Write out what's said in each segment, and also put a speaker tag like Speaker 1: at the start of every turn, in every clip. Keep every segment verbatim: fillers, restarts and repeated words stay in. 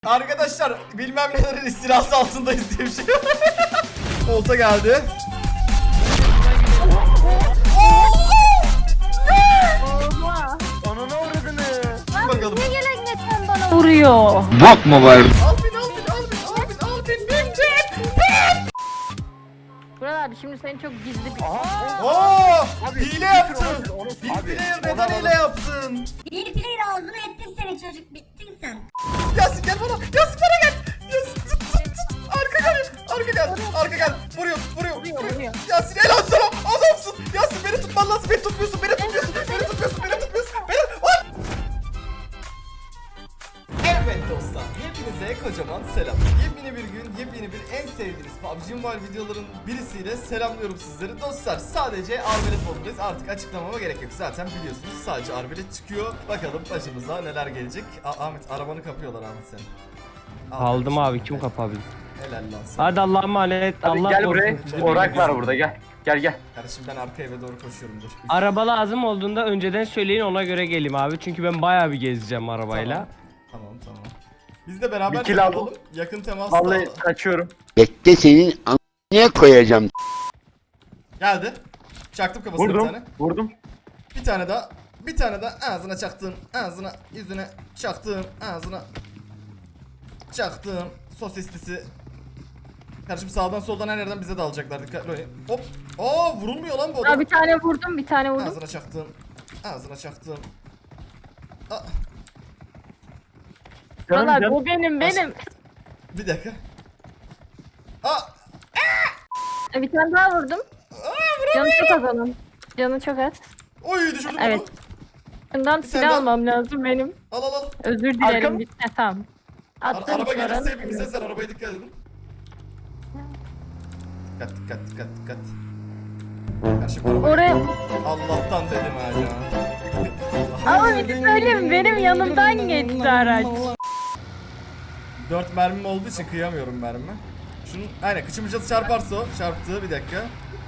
Speaker 1: Arkadaşlar bilmem nelerin istilası altındayız diye bir şey. Olta geldi.
Speaker 2: Oha.
Speaker 3: Ananı avradını.
Speaker 1: Bakalım.
Speaker 2: Ne gelenekten bana vuruyor?
Speaker 4: Bok mu var?
Speaker 1: Al bin al bin al bin al bin al bin bin bin.
Speaker 2: Burak abi şimdi senin çok gizli bir...
Speaker 3: Aha.
Speaker 1: Oo!
Speaker 3: Abi,
Speaker 1: Hile yaptın.
Speaker 3: onu-
Speaker 1: Bir
Speaker 3: abi,
Speaker 1: player
Speaker 3: onu
Speaker 1: neden
Speaker 3: alalım.
Speaker 1: hile yaptın?
Speaker 5: Bir player ağzına ettim seni çocuk, bittin sen.
Speaker 1: Yasin gel bana. Yasin bana gel. Yasin tut tut tut. Arka gel. Arka gel. Arka gel. Vuruyor vuruyor.
Speaker 2: Vuruyor, vuruyor.
Speaker 1: Yasin helal sana. Adamsın. Yasin beni tutman lazım. Beni tutmuyorsun. Beni tutmuyorsun. Beni tutmuyorsun. Beni tutmuyorsun. Beni... Hop! Evet dostlar, hepinize kocaman selam. Yepyeni bir gün, yepyeni bir en sevdiğiniz P U B G Mobile videoların birisiyle selamlıyorum sizleri. Dostlar sadece Arbelet modundayız, artık açıklamama gerek yok. Zaten biliyorsunuz sadece Arbelet çıkıyor. Bakalım başımıza neler gelecek. A Ahmet arabanı kapıyorlar Ahmet senin.
Speaker 6: Aldım abi, kim kapabilir?
Speaker 1: Helal lan sana.
Speaker 6: Hadi Allah'a emanet.
Speaker 3: Hadi
Speaker 6: Allah
Speaker 3: gel
Speaker 6: korusun
Speaker 3: buraya.
Speaker 6: sizi.
Speaker 3: Orak var burada, gel. Gel gel.
Speaker 1: Kardeşim ben arka eve doğru koşuyorum dur.
Speaker 6: Araba lazım olduğunda önceden söyleyin, ona göre geleyim abi. Çünkü ben bayağı bir gezeceğim arabayla.
Speaker 1: Tamam tamam. tamam. Biz de beraber
Speaker 3: Bir kill aldım.
Speaker 1: yapalım. Yakın temas
Speaker 3: Vallahi
Speaker 1: da-
Speaker 3: kaçıyorum.
Speaker 4: Bekle senin a**ına koyacağım.
Speaker 1: Geldi. Çaktım kafasına bir
Speaker 3: Vurdum.
Speaker 1: tane.
Speaker 3: Vurdum.
Speaker 1: Bir tane daha. Bir tane daha ağzına çaktım. Ağzına, yüzüne çaktım. Ağzına çaktım. Sosislisi. Kardeşim sağdan soldan her yerden bize de alacaklar. Dikkatli olun. Hop. Aa vurulmuyor lan bu
Speaker 2: Ya
Speaker 1: adam.
Speaker 2: bir tane vurdum, bir tane vurdum.
Speaker 1: Ağzına çaktım. Ağzına çaktım. Aa,
Speaker 3: Canım
Speaker 2: Burak abi
Speaker 3: canım.
Speaker 2: bu benim, benim.
Speaker 1: bir dakika. Aa,
Speaker 2: E, Bir tane daha vurdum. Canı çok az onun. Canı çok az.
Speaker 1: oy düşürdüm
Speaker 2: Evet.
Speaker 1: onu.
Speaker 2: Bundan
Speaker 1: Bir tane
Speaker 2: silah
Speaker 1: daha.
Speaker 2: almam lazım benim.
Speaker 1: Al al al.
Speaker 2: Özür dilerim.
Speaker 3: Arkam-
Speaker 2: Bir... E, tamam.
Speaker 1: Ara-
Speaker 2: Attım
Speaker 1: araba
Speaker 2: sonra.
Speaker 1: gelirse hepimize sen arabaya dikkat edin. Dikkat dikkat dikkat dikkat. Kardeşim araba.
Speaker 2: Oraya...
Speaker 1: Allah'tan dedim ha ya.
Speaker 2: Ama bir şey söyleyeyim mi? Benim yanımdan geçti araç.
Speaker 1: Dört mermim olduğu için kıyamıyorum mermi. Şunun aynen kıçımıcası çarparsa o. Çarptı bir dakika.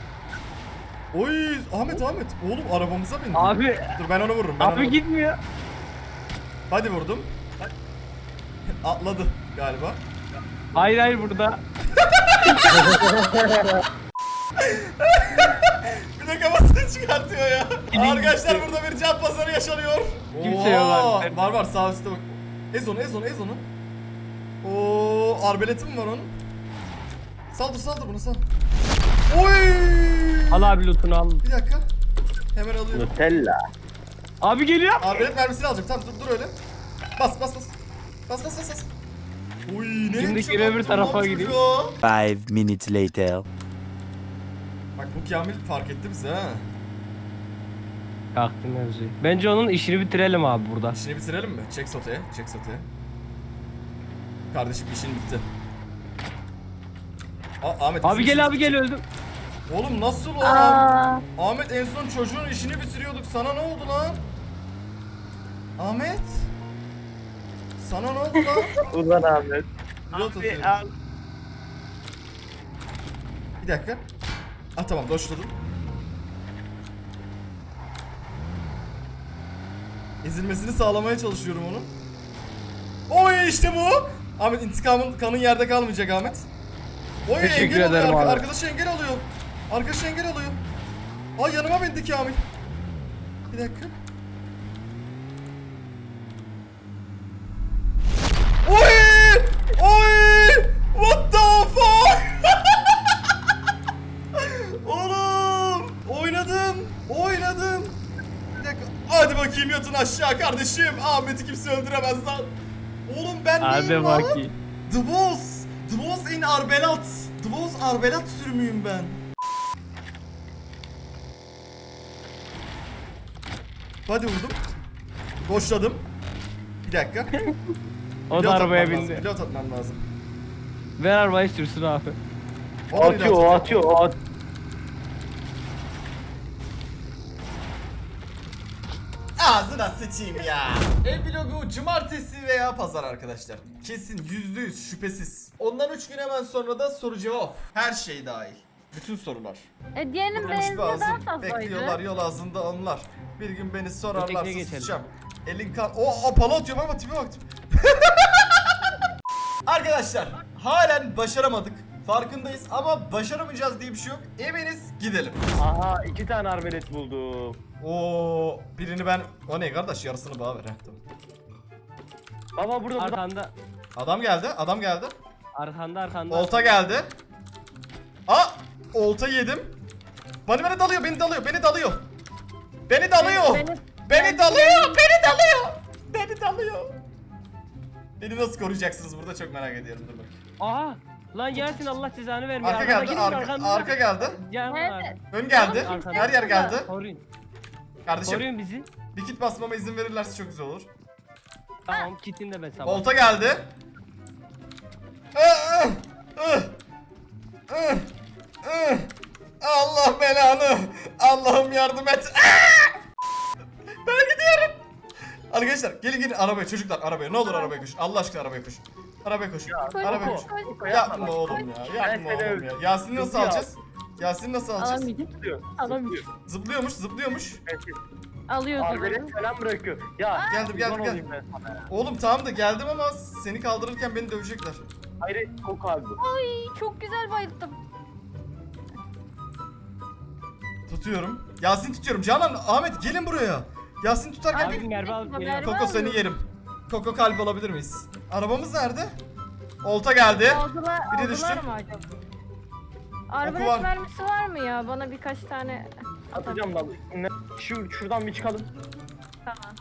Speaker 1: Oy Ahmet Ahmet. Oğlum arabamıza bindi.
Speaker 6: Abi,
Speaker 1: Dur ben onu vururum. Ben onu
Speaker 6: abi
Speaker 1: vururum.
Speaker 6: gitmiyor.
Speaker 1: Hadi vurdum. Atladı galiba.
Speaker 6: Hayır hayır burada.
Speaker 1: Bir de kafasını çıkartıyor ya.
Speaker 6: Kilin
Speaker 1: Arkadaşlar
Speaker 6: gitti.
Speaker 1: burada bir can pazarı yaşanıyor.
Speaker 6: Kimse yok
Speaker 1: Oo,
Speaker 6: abi.
Speaker 1: Var var sağ üstte bak. Ez onu ez onu ez onu. Oo arbeleti mi var onun? Saldır saldır bunu sal. Oy!
Speaker 6: Al abi lootunu al.
Speaker 1: Bir dakika. Hemen alıyorum.
Speaker 3: Nutella.
Speaker 6: Abi geliyor.
Speaker 1: Arbelet mermisini alacağım. Tamam dur dur öyle. Bas bas bas. Bas bas bas bas. Oy ne
Speaker 6: Şimdi
Speaker 1: biçim
Speaker 6: geri öbür
Speaker 1: yaptın
Speaker 6: tarafa
Speaker 1: lan
Speaker 6: gideyim.
Speaker 1: çocuğa?
Speaker 4: Five minutes later.
Speaker 1: Bak bu Kamil fark etti bizi ha.
Speaker 6: Kalktım mevzuyu. Bence onun işini bitirelim abi burada.
Speaker 1: İşini bitirelim mi? Çek soteye. Çek soteye. Kardeşim işin bitti. Aa, Ahmet
Speaker 6: Abi
Speaker 1: bizim
Speaker 6: gel
Speaker 1: işimiz
Speaker 6: abi gel
Speaker 1: bitti.
Speaker 6: öldüm.
Speaker 1: Oğlum nasıl o?
Speaker 2: Aa,
Speaker 1: Ahmet en son çocuğun işini bitiriyorduk. Sana ne oldu lan? Ahmet? Sana ne oldu lan?
Speaker 3: Ulan Ahmet.
Speaker 1: Pilot atıyorum.
Speaker 6: al.
Speaker 1: Bir dakika. Ah tamam doşladım. Ezilmesini sağlamaya çalışıyorum onun. Oy işte bu. Ahmet intikamın kanın yerde kalmayacak Ahmet. Oy
Speaker 6: Teşekkür
Speaker 1: engel oluyor.
Speaker 6: ederim
Speaker 1: Arka,
Speaker 6: abi.
Speaker 1: arkadaşı engel alıyor. Arkadaşı engel alıyor. Ay yanıma bindi Kamil. Bir dakika. Oy! Oy! What the fuck? Oğlum! Oynadım! Oynadım! Bir dakika. Hadi bakayım yatın aşağı kardeşim. Ahmet'i kimse öldüremez lan. Oğlum ben
Speaker 6: Hadi
Speaker 1: neyim lan?
Speaker 6: bakayım.
Speaker 1: The Boss! The Boss in Arbelat! The Boss Arbelat sürümüyüm ben. Hadi vurdum. Boşladım. Bir dakika.
Speaker 6: O da
Speaker 1: Pilot
Speaker 6: arabaya
Speaker 1: atmam lazım,
Speaker 6: bindi.
Speaker 1: Pilot atmam lazım.
Speaker 6: Ver arabayı sürsün abi.
Speaker 1: O da
Speaker 3: Atıyor,
Speaker 1: pilot
Speaker 3: o
Speaker 1: atıyor.
Speaker 3: atıyor, o at.
Speaker 1: Ağzına sıçayım ya. Ev vlogu cumartesi veya pazar arkadaşlar. Kesin yüzde yüz şüphesiz. Ondan üç gün hemen sonra da soru cevap. Her şey dahil. Bütün sorular.
Speaker 2: e, diğerinin
Speaker 1: Vurulmuş
Speaker 2: benzini daha
Speaker 1: bazım.
Speaker 2: fazlaydı.
Speaker 1: Bekliyorlar yol ağzında onlar. Bir gün beni sorarlarsa
Speaker 6: Ötekine geçelim.
Speaker 1: susacağım. Elin kan... O, o pala atıyorum ama tipe bak. Arkadaşlar halen başaramadık. Farkındayız ama başaramayacağız diye bir şey yok. Eminiz gidelim.
Speaker 3: Aha iki tane arbelet buldum.
Speaker 1: Oo, birini ben... O ne kardeş, yarısını bana ver. Heh, tamam.
Speaker 3: Baba burada burada.
Speaker 6: Arkanda.
Speaker 1: Adam geldi, adam geldi.
Speaker 6: Arkanda arkanda.
Speaker 1: Olta geldi. Aa, olta yedim. Beni beni dalıyor, beni dalıyor, beni dalıyor. Beni dalıyor.
Speaker 2: Beni-
Speaker 1: Beni,
Speaker 2: beni-
Speaker 1: dalıyor, beni dalıyor. Beni dalıyor. Beni nasıl koruyacaksınız burada, çok merak ediyorum. Dur bakayım.
Speaker 6: Aha. Lan Yasin Allah cezanı vermiyor.
Speaker 1: Arka geldi,
Speaker 6: Arkadakinin
Speaker 1: arka,
Speaker 6: arkanda.
Speaker 1: arka geldi.
Speaker 6: Can var.
Speaker 2: Nerede?
Speaker 1: Ön geldi.
Speaker 6: Arkada.
Speaker 1: Her yer geldi.
Speaker 6: Koruyun.
Speaker 1: Kardeşim,
Speaker 6: Koruyun bizi.
Speaker 1: bir kit basmama izin verirlerse çok güzel olur.
Speaker 6: Tamam kitini de ben sabah.
Speaker 1: Olta geldi. Ah, ah, ah, ah. Allah belanı. Allah'ım yardım et. Ah! Ben gidiyorum. Arkadaşlar gelin gelin arabaya çocuklar, arabaya, ne olur arabaya koş. Allah aşkına arabaya koş. Arabaya koş. Arabaya koş.
Speaker 2: Koş,
Speaker 1: Yapma oğlum ya. Yapma
Speaker 3: Ben seni
Speaker 1: oğlum ya. Yasin'i nasıl
Speaker 3: Zıplıyor.
Speaker 1: alacağız? Yasin'i nasıl alacağız?
Speaker 2: Alamayacağım.
Speaker 3: Zıplıyor.
Speaker 2: Alamayacağım.
Speaker 1: Zıplıyormuş, zıplıyormuş.
Speaker 2: Alıyoruz.
Speaker 3: Arbelet falan bırakıyor. Ya
Speaker 1: Geldim, geldim,
Speaker 3: kurban
Speaker 1: geldim.
Speaker 3: olayım ben sana ya.
Speaker 1: Oğlum tamam da geldim ama seni kaldırırken beni dövecekler.
Speaker 3: Hayır koku abi bu.
Speaker 2: Ay çok güzel bayıldım.
Speaker 1: Tutuyorum. Yasin tutuyorum. Canan, Ahmet gelin buraya. Yasin tutarken
Speaker 6: Abi
Speaker 1: bir...
Speaker 6: Merve al.
Speaker 2: Merve
Speaker 6: geliyor.
Speaker 1: Koko seni
Speaker 2: alıyorum.
Speaker 1: yerim. Koko kalp alabilir miyiz? Arabamız nerede? Olta geldi.
Speaker 2: Aldılar,
Speaker 1: Biri
Speaker 2: aldılar
Speaker 1: düştü.
Speaker 2: mı acaba?
Speaker 1: var.
Speaker 2: Arbelet mermisi var mı ya? Bana birkaç tane
Speaker 3: Atacağım lan. Ne? Şu şuradan bir çıkalım.
Speaker 2: Tamam.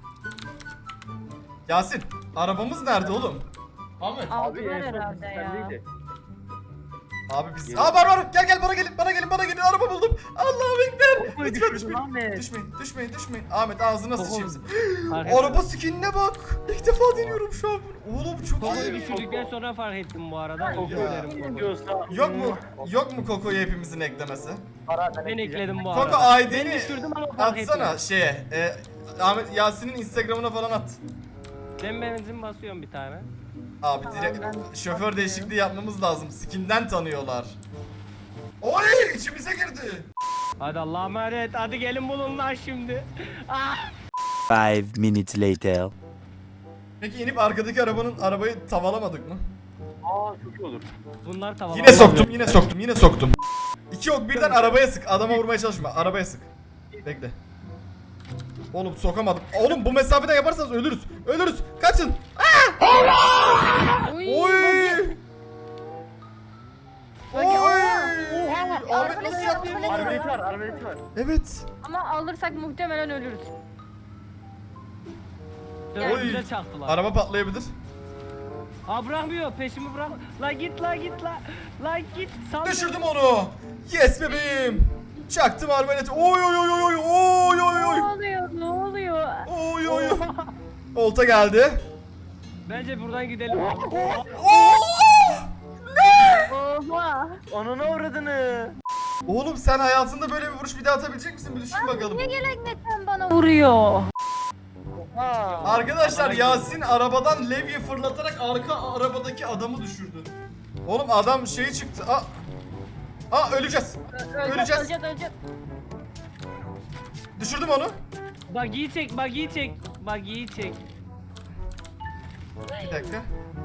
Speaker 1: Yasin, arabamız nerede oğlum? Ahmet.
Speaker 2: Aldılar
Speaker 3: en son
Speaker 2: herhalde ya.
Speaker 3: sendeydi.
Speaker 1: Abi biz...
Speaker 3: Gelin.
Speaker 1: Aa var var, gel gel bana gelin, bana gelin, bana gelin, araba buldum. Allah'ım ekber.
Speaker 3: Kokoyu
Speaker 1: Lütfen
Speaker 3: düşürdün
Speaker 1: düşmeyin.
Speaker 3: Ahmet.
Speaker 1: Düşmeyin, düşmeyin, düşmeyin. Ahmet ağzına
Speaker 6: Koko-
Speaker 1: sıçayım.
Speaker 6: Fark
Speaker 1: Araba skinine bak. İlk defa deniyorum şu an. Oğlum çok
Speaker 6: Koko'yu
Speaker 1: iyi.
Speaker 6: düşürdükten sonra fark ettim bu arada. Özür
Speaker 1: Ya.
Speaker 6: dilerim Koko.
Speaker 3: Diyorsa
Speaker 1: Yok mu? Yok mu Koko'yu hepimizin eklemesi?
Speaker 3: Para
Speaker 6: Ben ekledim bu
Speaker 1: Koko
Speaker 6: arada.
Speaker 1: I D'ni
Speaker 6: Ben düşürdüm ama fark
Speaker 1: atsana
Speaker 6: etmiyor.
Speaker 1: şeye. E, Ahmet Yasin'in Instagram'ına falan at.
Speaker 6: Ben benzin basıyorum bir tane.
Speaker 1: Abi direkt
Speaker 2: ben-
Speaker 1: şoför değişikliği yapmamız lazım. Skinden tanıyorlar. Oy, içimize girdi.
Speaker 6: Hadi Allah'a emanet. Hadi gelin bulun lan şimdi. Ah!
Speaker 4: Five minutes later.
Speaker 1: Peki inip arkadaki arabanın arabayı tavalamadık mı?
Speaker 3: Aa çok iyi olur.
Speaker 6: Bunlar tamam.
Speaker 1: Yine soktum, yine soktum, yine soktum. İki ok birden arabaya sık. Adama vurmaya çalışma. Arabaya sık. Bekle. Oğlum sokamadım. Oğlum bu mesafeden yaparsanız ölürüz. Ölürüz. Kaçın.
Speaker 2: Uy,
Speaker 1: Oy.
Speaker 2: bagi-
Speaker 1: Oy.
Speaker 2: Bagi-
Speaker 1: Ahmet
Speaker 2: Arbelet
Speaker 1: nasıl
Speaker 2: var,
Speaker 1: yaptı?
Speaker 2: arbelet
Speaker 3: Arbelet var, arbelet var.
Speaker 1: Evet.
Speaker 2: Ama alırsak muhtemelen ölürüz.
Speaker 6: Dört
Speaker 1: Oy.
Speaker 6: güzel çaktılar.
Speaker 1: Araba patlayabilir.
Speaker 6: Aa bırakmıyor peşimi bırak. La git la git la. La git. Sal.
Speaker 1: Düşürdüm onu. Yes bebeğim. Çaktım arbaleti. Oy oy oy oy oy oy oy
Speaker 2: Ne
Speaker 1: oy.
Speaker 2: oluyor? Ne oluyor?
Speaker 1: Oy oy oy. Olta geldi.
Speaker 6: Bence buradan gidelim.
Speaker 1: Oo!
Speaker 2: Oha.
Speaker 3: Anana uğradını.
Speaker 1: Oğlum sen hayatında böyle bir vuruş bir daha atabilecek misin? Bir düşün bakalım.
Speaker 2: Niye gelenekten bana vuruyor?
Speaker 3: Ha.
Speaker 1: Arkadaşlar Yasin arabadan levye fırlatarak arka arabadaki adamı düşürdü. Oğlum adam şeyi çıktı. Aa, Aa öleceğiz. Öleceğiz.
Speaker 2: Öleceğiz, öleceğiz.
Speaker 1: Düşürdüm onu.
Speaker 6: Buggy'yi çek, buggy'yi çek. Buggy'yi çek.
Speaker 1: Bir dakika.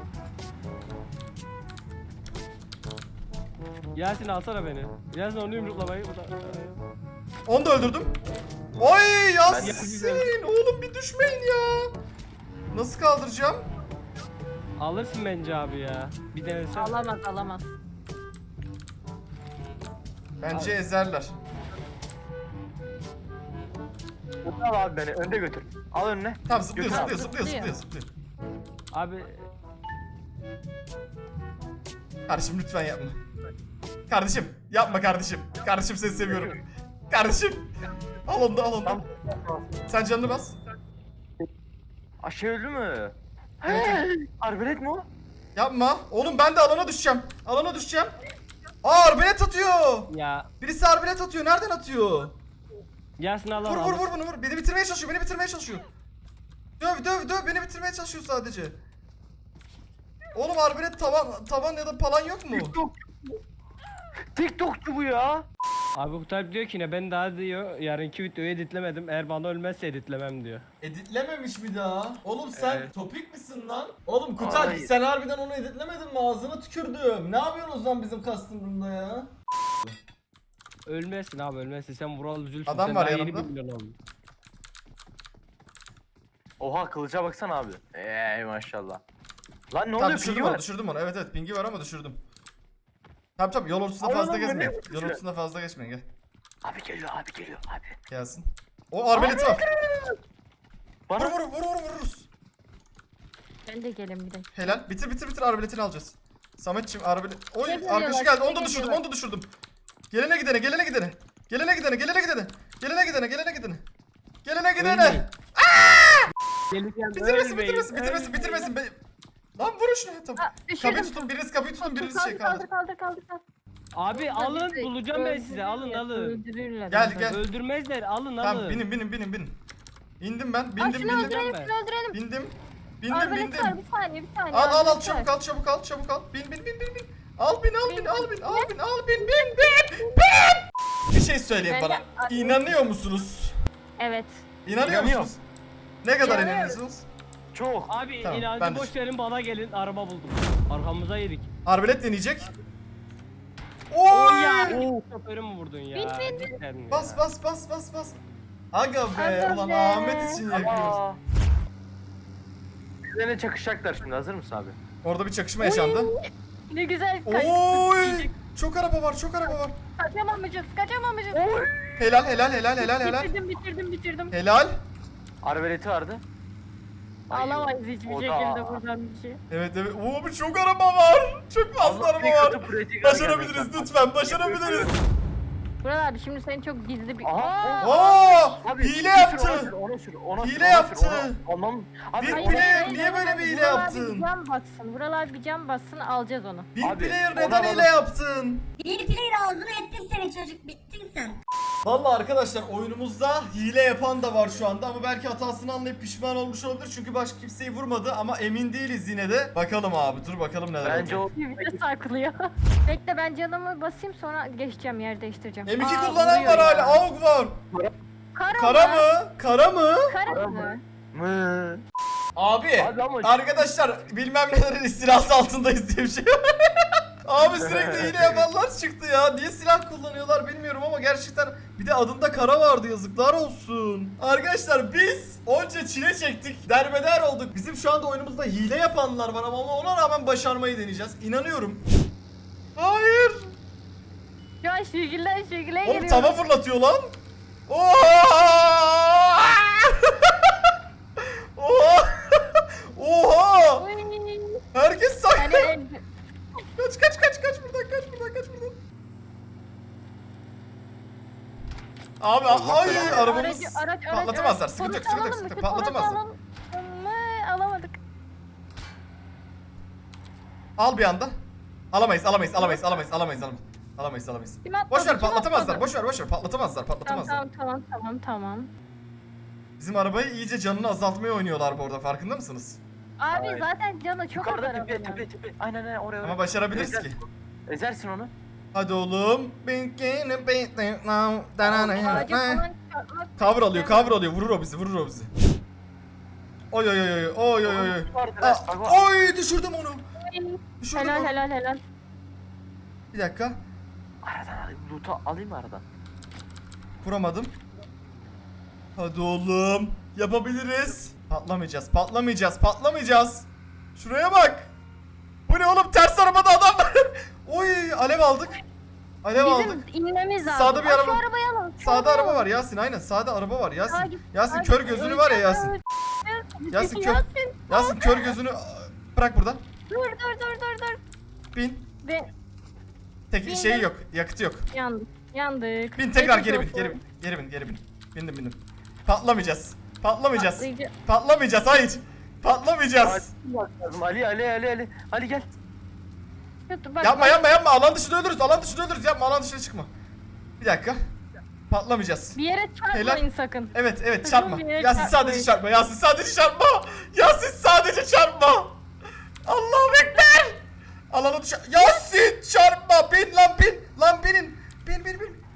Speaker 6: Yasin alsana beni. Yasin onu yumruklamayı.
Speaker 1: Onu da öldürdüm. Oy Yasin.
Speaker 6: yapacağım.
Speaker 1: Oğlum bir düşmeyin ya. Nasıl kaldıracağım?
Speaker 6: Alırsın bence abi ya. Bir denesene.
Speaker 2: Alamaz, alamaz.
Speaker 1: Bence ezerler.
Speaker 3: Al abi beni önde götür. Al önüne.
Speaker 1: Tamam zıplıyor
Speaker 3: Götür
Speaker 1: zıplıyor
Speaker 3: abi.
Speaker 1: zıplıyor zıplıyor
Speaker 2: Zıplıyor.
Speaker 1: zıplıyor.
Speaker 6: Abi
Speaker 1: Kardeşim lütfen yapma. Kardeşim yapma kardeşim. Kardeşim seni seviyorum. Kardeşim. Al onu da al onu da.
Speaker 3: Tam.
Speaker 1: Sen canını bas.
Speaker 3: Aşağı öldü mü? Arbelet mi o?
Speaker 1: Yapma. Oğlum ben de alana düşeceğim. Alana düşeceğim. Aa arbelet atıyor.
Speaker 6: ya.
Speaker 1: Birisi arbelet atıyor. Nereden atıyor?
Speaker 6: Yasin al al.
Speaker 1: Vur
Speaker 6: al.
Speaker 1: vur vur bunu vur. Beni bitirmeye çalışıyor. Beni bitirmeye çalışıyor. Döv döv döv. Beni bitirmeye çalışıyor sadece. Oğlum arbelet tavan tavan ya da palan yok mu?
Speaker 3: TikTok. TikTokçu bu ya.
Speaker 6: Abi Kutay diyor ki ne ben daha diyor yarınki videoyu editlemedim. Eğer bana ölmezse editlemem diyor.
Speaker 1: Editlememiş mi daha? Oğlum sen
Speaker 6: Evet.
Speaker 1: topik misin lan? Oğlum Kutay
Speaker 3: Hayır.
Speaker 1: sen harbiden onu editlemedin mi? Ağzına tükürdüm. Ne yapıyorsun o zaman bizim customer'ında ya?
Speaker 6: Ölmezsin abi ölmezsin. Sen Vural üzülsün.
Speaker 1: Adam
Speaker 6: Sen
Speaker 1: var
Speaker 6: daha yeni
Speaker 1: yanımda.
Speaker 6: bir milyon oldun.
Speaker 3: Oha kılıca baksana abi. Eee maşallah. Lan ne
Speaker 1: Tamam
Speaker 3: oluyor
Speaker 1: düşürdüm
Speaker 3: pigi
Speaker 1: onu
Speaker 3: var.
Speaker 1: düşürdüm onu. Evet evet pingi var ama düşürdüm. Tamam tamam yol ortasında
Speaker 3: Ay,
Speaker 1: fazla
Speaker 3: lan, bu ne?
Speaker 1: gezmeyin. Yol
Speaker 3: Güzel.
Speaker 1: ortasında fazla geçmeyin gel.
Speaker 3: Abi geliyor abi geliyor abi.
Speaker 1: Gelsin. O arbeleti var. Vur
Speaker 3: Bana
Speaker 1: vur vur vur vururuz.
Speaker 2: Ben de gelin bir de.
Speaker 1: Helal. Bitir bitir bitir arbeletini alacağız. Sametçim arbelet. Oy
Speaker 2: Ne
Speaker 1: arkadaşı
Speaker 2: geliyorlar,
Speaker 1: geldi.
Speaker 2: ne
Speaker 1: Onu da düşürdüm.
Speaker 2: geliyorlar?
Speaker 1: Onu da düşürdüm. Gelene gidene gelene gidene. Gelene gidene gelene gidene. Gelene gidene gelene gidene. Gelene gidene.
Speaker 6: Ölmeyin. Geleceğim,
Speaker 1: Bitirmesin
Speaker 6: ölmeyin,
Speaker 1: bitirmesin bitirmesin
Speaker 6: ölmeyin.
Speaker 1: bitirmesin. Be- Lan vurun şunu. Tamam.
Speaker 2: Aa, düşürdüm.
Speaker 1: Kapıyı tutun biriniz kapıyı tutun biriniz şey
Speaker 2: Kaldır
Speaker 1: kaldır.
Speaker 2: kaldır kaldır kaldır.
Speaker 6: Abi alın bulacağım ben size alın alın.
Speaker 2: Öldürürler.
Speaker 1: Gel, gel.
Speaker 6: Öldürmezler alın
Speaker 1: Tamam
Speaker 6: alın.
Speaker 1: binin binin binin binin. İndim ben
Speaker 2: Aa,
Speaker 1: bindim
Speaker 2: şunu
Speaker 1: bindim.
Speaker 2: öldürelim
Speaker 6: ben.
Speaker 2: şunu öldürelim.
Speaker 1: Bindim. Bindim
Speaker 2: Arbelet var
Speaker 1: bindim.
Speaker 2: bir saniye bir saniye.
Speaker 1: Al al al
Speaker 2: arbelet
Speaker 1: çabuk
Speaker 2: var.
Speaker 1: al çabuk al çabuk al. Bin bin bin bin bin. Al bin al bin
Speaker 2: Bin,
Speaker 1: al
Speaker 2: bin,
Speaker 1: bin al bin al bin bin bin bin. Bir şey söyleyin
Speaker 2: Ben
Speaker 1: bana.
Speaker 2: de-
Speaker 1: İnanıyor musunuz?
Speaker 2: Evet.
Speaker 1: İnanıyor
Speaker 3: İnanıyorum.
Speaker 1: musunuz? Ne kadar
Speaker 2: İnanıyorum.
Speaker 1: inanıyorsunuz?
Speaker 3: çok.
Speaker 6: Abi
Speaker 1: Tamam,
Speaker 6: inancı
Speaker 1: ben de-
Speaker 6: boş verin bana gelin araba buldum. Arkamıza yedik.
Speaker 1: Arbelet deneyecek.
Speaker 6: Oy
Speaker 1: Oy!
Speaker 6: ya. Şoförü mü vurdun ya?
Speaker 2: Bin, bin, bin.
Speaker 6: Cidden ya.
Speaker 1: Bas bas bas bas bas. Aga be
Speaker 2: Aga
Speaker 1: ulan
Speaker 2: be.
Speaker 1: Ahmet için yakıyoruz.
Speaker 3: Aa. Bizlerine çakışacaklar şimdi hazır mısın abi?
Speaker 1: Orada bir çakışma yaşandı.
Speaker 2: Ne güzel kaçtık.
Speaker 1: Oy! Çok araba var, çok araba var.
Speaker 2: Kaçamamayacağız kaçamamayacağız.
Speaker 1: Helal helal helal helal helal.
Speaker 2: Bitirdim bitirdim bitirdim.
Speaker 1: Helal.
Speaker 3: Arbaleti vardı. Ay,
Speaker 2: Alamayız hiçbir
Speaker 3: o da-
Speaker 2: şekilde buradan bir şey.
Speaker 1: Evet evet. Oo bir çok araba var. Çok fazla
Speaker 3: Allah
Speaker 1: araba
Speaker 3: bir
Speaker 1: var.
Speaker 3: kötü pratik
Speaker 1: Başarabiliriz
Speaker 3: arkadaşlar.
Speaker 1: lütfen başarabiliriz.
Speaker 2: Burak abi şimdi seni çok gizli bir...
Speaker 3: Aha.
Speaker 1: Oo!
Speaker 3: Abi,
Speaker 1: Hile
Speaker 3: bir sür,
Speaker 1: yaptı.
Speaker 3: Ona sür, ona sür, ona
Speaker 1: Hile
Speaker 3: sür, ona
Speaker 1: yaptı.
Speaker 3: sür, ona- Anlam. Abi
Speaker 1: Bir
Speaker 3: ona-
Speaker 1: player niye böyle bir hile
Speaker 2: Burak abi
Speaker 1: yaptın?
Speaker 2: bir cam bassın. Burak abi bir cam bassın alacağız onu.
Speaker 1: Bir
Speaker 3: Abi,
Speaker 1: player
Speaker 3: onu
Speaker 1: neden
Speaker 3: alalım.
Speaker 1: hile yaptın?
Speaker 5: Bir player ağzına ettim seni çocuk bittin sen.
Speaker 1: Vallahi arkadaşlar oyunumuzda hile yapan da var şu anda ama belki hatasını anlayıp pişman olmuş olabilir çünkü başka kimseyi vurmadı ama emin değiliz yine de. Bakalım abi dur bakalım neler
Speaker 3: Bence
Speaker 1: olacak.
Speaker 3: o
Speaker 2: Bir de saklıyor. Bekle ben canımı basayım sonra geçeceğim yer değiştireceğim.
Speaker 1: M iki
Speaker 2: Aa,
Speaker 1: kullanan
Speaker 2: vuruyor
Speaker 1: var
Speaker 2: ya.
Speaker 1: hala. AUG var.
Speaker 2: Kara,
Speaker 1: Kara mı? Kara mı?
Speaker 2: Kara
Speaker 3: mı?
Speaker 2: mı?
Speaker 3: mı?
Speaker 1: Abi,
Speaker 3: Abi ama-
Speaker 1: arkadaşlar bilmem nelerin istilası altındayız diye bir şey var. Abi sürekli hile yapanlar çıktı ya. Niye silah kullanıyorlar bilmiyorum ama gerçekten bir de adında kara vardı yazıklar olsun. Arkadaşlar biz onca çile çektik. Derbeder olduk. Bizim şu anda oyunumuzda hile yapanlar var ama ona rağmen başarmayı deneyeceğiz. İnanıyorum. Hayır.
Speaker 2: Şu an şirgiller şirgile
Speaker 1: Oğlum
Speaker 2: geliyor.
Speaker 1: tava fırlatıyor lan. Oha! Oha! Oha!
Speaker 2: Oy.
Speaker 1: Herkes
Speaker 2: Yani
Speaker 1: saklı.
Speaker 2: el-
Speaker 1: Kaç kaç kaç kaç buradan kaç buradan kaç buradan. Abi ay
Speaker 2: Aracı-
Speaker 1: arabamız
Speaker 2: araç- araç-
Speaker 1: patlatamazlar.
Speaker 2: araç-
Speaker 1: Sıkıntı yok
Speaker 2: Polis
Speaker 1: sıkıntı yok
Speaker 2: alalım,
Speaker 1: sıkıntı yok.
Speaker 2: polis
Speaker 1: Patlatamazlar.
Speaker 2: alalım. Mı? Alamadık.
Speaker 1: Al bir anda. Alamayız alamayız alamayız alamayız alamayız alamayız. Alamayız alamayız.
Speaker 2: Kim atladı,
Speaker 1: Boş ver
Speaker 2: kim
Speaker 1: patlatamazlar.
Speaker 2: atladı?
Speaker 1: Boş ver boş ver patlatamazlar
Speaker 2: Tamam
Speaker 1: patlatamazlar.
Speaker 2: tamam tamam tamam tamam.
Speaker 1: Bizim arabayı iyice canını azaltmaya oynuyorlar bu arada farkında mısınız?
Speaker 2: Abi
Speaker 3: Ay.
Speaker 2: zaten canı çok az
Speaker 3: Yukarıda tepe
Speaker 2: arabanın.
Speaker 3: tepe tepe. Aynen aynen oraya oraya.
Speaker 1: Ama başarabiliriz
Speaker 3: Ezer-
Speaker 1: ki.
Speaker 3: Ezersin onu.
Speaker 1: Hadi oğlum.
Speaker 2: Ağacı falan çarpmak.
Speaker 1: Cover alıyor, cover alıyor. Vurur o bizi, vurur o bizi. Oy oy oy oy oy oy oy.
Speaker 3: Vardır
Speaker 1: Aa,
Speaker 3: ha, bak, bak.
Speaker 1: oy düşürdüm onu. Düşürdüm
Speaker 2: Helal
Speaker 1: onu.
Speaker 2: helal helal.
Speaker 1: Bir dakika.
Speaker 3: Aradan alayım. Loot'u alayım mı aradan?
Speaker 1: Vuramadım. Hadi oğlum. Yapabiliriz. Patlamayacağız, patlamayacağız, patlamayacağız. Şuraya bak. Bu ne oğlum? Ters arabada adam var. Oy alev aldık. Alev aldık.
Speaker 2: Bizim inmemiz lazım.
Speaker 1: Sağda bir
Speaker 2: Aa,
Speaker 1: araba-
Speaker 2: Şu arabayı alalım. şu
Speaker 1: Sağda
Speaker 2: arabayı
Speaker 1: araba
Speaker 2: alalım.
Speaker 1: var Yasin aynen. Sağda araba var
Speaker 2: Sağa
Speaker 1: Yasin.
Speaker 2: git,
Speaker 1: Yasin
Speaker 2: sağa
Speaker 1: kör
Speaker 2: git.
Speaker 1: gözünü var ya Yasin.
Speaker 2: Öleceğim.
Speaker 1: Yasin kör.
Speaker 2: Yasin.
Speaker 1: Yasin kör gözünü aa, bırak burada.
Speaker 2: Dur dur dur dur dur.
Speaker 1: Bin.
Speaker 2: Ve
Speaker 1: Tek
Speaker 2: Bindim.
Speaker 1: şeyi yok. Yakıtı yok.
Speaker 2: yandık. Yandık.
Speaker 1: Bin tekrar
Speaker 2: Geçmiş
Speaker 1: geri bin.
Speaker 2: olsun.
Speaker 1: Geri bin. Geri bin. Geri bin. Bindim bindim. Patlamayacağız. Patlamayacağız.
Speaker 2: Patlayıcı.
Speaker 1: Patlamayacağız. Hayır. Patlamayacağız.
Speaker 3: Bak lazım. Ali Ali Ali Ali. Ali gel.
Speaker 2: Dur, bak,
Speaker 1: Yapma
Speaker 2: bak.
Speaker 1: yapma yapma. Alan dışında ölürüz. Alan dışında ölürüz. Yapma alan dışına çıkma. Bir dakika. Patlamayacağız.
Speaker 2: Bir yere çarpmayın
Speaker 1: Helal.
Speaker 2: sakın.
Speaker 1: Evet evet
Speaker 2: Sakın
Speaker 1: çarpma.
Speaker 2: bir yere
Speaker 1: Yasin
Speaker 2: çarpmayın.
Speaker 1: sadece çarpma. Yasin sadece çarpma. Yasin sadece çarpma. Allahu ekber. Alana düş. Yasin çarpma. Bin lan bin. Lan binin. Bin bin bin.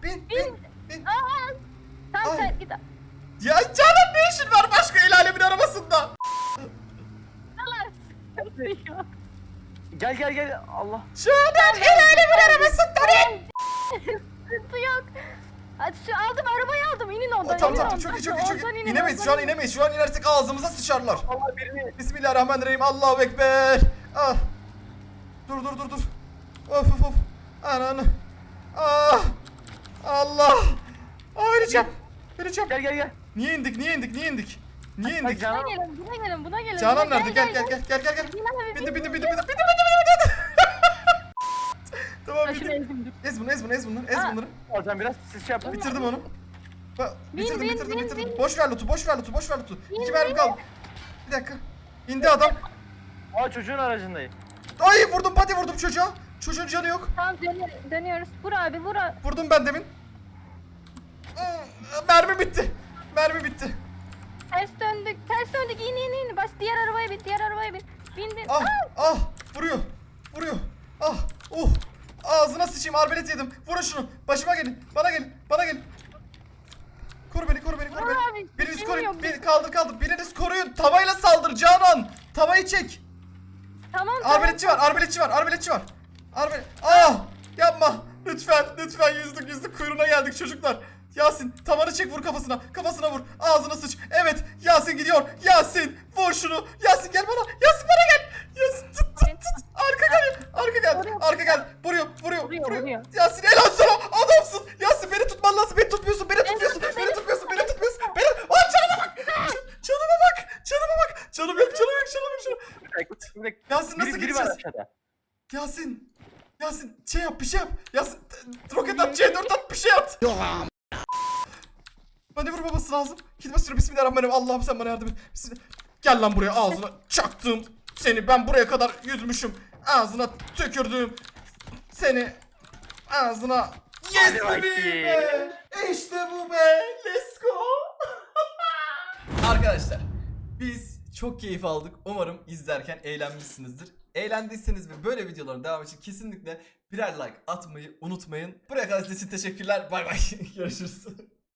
Speaker 1: bin bin bin.
Speaker 2: Sen
Speaker 1: Ay.
Speaker 2: sen git.
Speaker 1: Ya Canan ne işin var başka el alemin arabasında?
Speaker 2: Allah sıkıntı.
Speaker 3: Gel gel gel. Allah.
Speaker 1: Canan el alemin arabasında ne?
Speaker 2: Sıkıntı yok. Hadi şu aldım arabayı aldım. İnin
Speaker 1: Oh,
Speaker 2: ondan.
Speaker 1: tamam
Speaker 2: inin
Speaker 1: tamam çok iyi çok iyi çok
Speaker 2: ondan
Speaker 1: iyi.
Speaker 2: inin,
Speaker 1: İnemeyiz
Speaker 2: ondan
Speaker 1: şu an
Speaker 2: inin.
Speaker 1: inemeyiz. Şu an inersek ağzımıza sıçarlar.
Speaker 3: Allah birini.
Speaker 1: Bismillahirrahmanirrahim. Allahu Ekber. Ah. Dur dur dur dur. Of of of. Ananı. Ah. Allah. Ah öleceğim. Öleceğim.
Speaker 3: Gel gel gel.
Speaker 1: Niye indik niye indik niye indik? Niye
Speaker 3: Bak
Speaker 1: indik?
Speaker 3: Canan.
Speaker 2: Buna gelin buna gelin buna gelin.
Speaker 1: Canan
Speaker 2: Buna
Speaker 1: nerede? Gel gel gel gel gel gel.
Speaker 2: Bin abi,
Speaker 1: Bindi
Speaker 2: bin,
Speaker 1: bindi
Speaker 2: bin,
Speaker 1: bindi
Speaker 2: bin.
Speaker 1: bindi bindi bindi bindi. Tamam
Speaker 2: Başını
Speaker 1: bindi.
Speaker 2: ezdim.
Speaker 1: Ez bunu ez bunu ez bunu ez
Speaker 2: Aa.
Speaker 1: bunları.
Speaker 3: Alacağım biraz. Siz şey yapın.
Speaker 1: Bitirdim onu. Ba-
Speaker 2: Bin,
Speaker 1: bitirdim
Speaker 2: bin,
Speaker 1: bitirdim
Speaker 2: bin,
Speaker 1: bitirdim.
Speaker 2: bin.
Speaker 1: Boş ver loot'u boş ver loot'u boş ver loot'u. İki
Speaker 2: Bin,
Speaker 1: mermi
Speaker 2: bin.
Speaker 1: kaldı. Bir dakika. İndi adam.
Speaker 3: Aa çocuğun aracındayım.
Speaker 1: Ay vurdum pati vurdum çocuğa. Çocuğun canı yok.
Speaker 2: Tamam dönü- dönüyoruz. Vur abi vur abi.
Speaker 1: Vurdum ben demin. Hmm, Mermi bitti. Mermi bitti.
Speaker 2: Ters döndük. Ters döndük. İn in in. Baş diğer arabaya bin. Diğer arabaya bin. Bindin.
Speaker 1: Ah ah vuruyor. Vuruyor. Ah uh. Ağzına sıçayım arbelet yedim. Vurun şunu. Başıma gelin. Bana gelin. Bana gelin. Koru beni koru beni koru
Speaker 2: Vur
Speaker 1: beni.
Speaker 2: abi,
Speaker 1: Biriniz
Speaker 2: şeyim
Speaker 1: koruyun.
Speaker 2: yok.
Speaker 1: Bir, kaldır kaldır. Biriniz koruyun. Tavayla saldır Canan. Tavayı çek.
Speaker 2: Tamam tamam.
Speaker 1: Arbeletçi var, arbeletçi var, arbeletçi var. Arbalet. Ah! Yapma. Lütfen, lütfen yüzdük yüzdük kuyruğuna geldik çocuklar. Yasin, tavanı çek vur kafasına. Kafasına vur. Ağzına sıç. Evet, Yasin gidiyor. Yasin, vur şunu. Yasin gel bana. Yasin bana gel. Yasin tut tut tut. Arka gel. Arka gel.
Speaker 2: Vuruyor.
Speaker 1: Arka gel. Vuruyor, vuruyor,
Speaker 2: Vuruyor,
Speaker 1: vuruyor.
Speaker 2: vuruyor.
Speaker 1: Yasin helal sana. Adamsın. Yasin beni tutman lazım. Beni tutmuyorsun. Beni tutmuyorsun. Beni tutmuyorsun. Beni tutmuyorsun. Beni. Aa canıma bak. Can- Canıma bak. Canıma bak. Canım yok, canım yok, canım yok. Canım. yok.
Speaker 3: Bir dakika. Bir dakika.
Speaker 1: Yasin nasıl
Speaker 3: Biri, biri var
Speaker 1: gideceğiz?
Speaker 3: aşağıda.
Speaker 1: Yasin. Yasin şey yap bir şey yap. Yasin t- roket at C dört at bir şey at. Bana vurmaması lazım. Gitme sürü bismillahirrahmanirrahim. Allah'ım sen bana yardım et. Bismillah. Gel lan buraya ağzına çaktım seni. Ben buraya kadar yüzmüşüm. Ağzına tükürdüm seni. Ağzına. Yes
Speaker 3: Hadi
Speaker 1: be
Speaker 3: bakayım.
Speaker 1: be. İşte bu be. Let's go. Arkadaşlar biz çok keyif aldık. Umarım izlerken eğlenmişsinizdir. Eğlendiyseniz ve böyle videoların devamı için kesinlikle birer like atmayı unutmayın. Buraya kadar izlediğiniz için teşekkürler. Bay bay. Görüşürüz.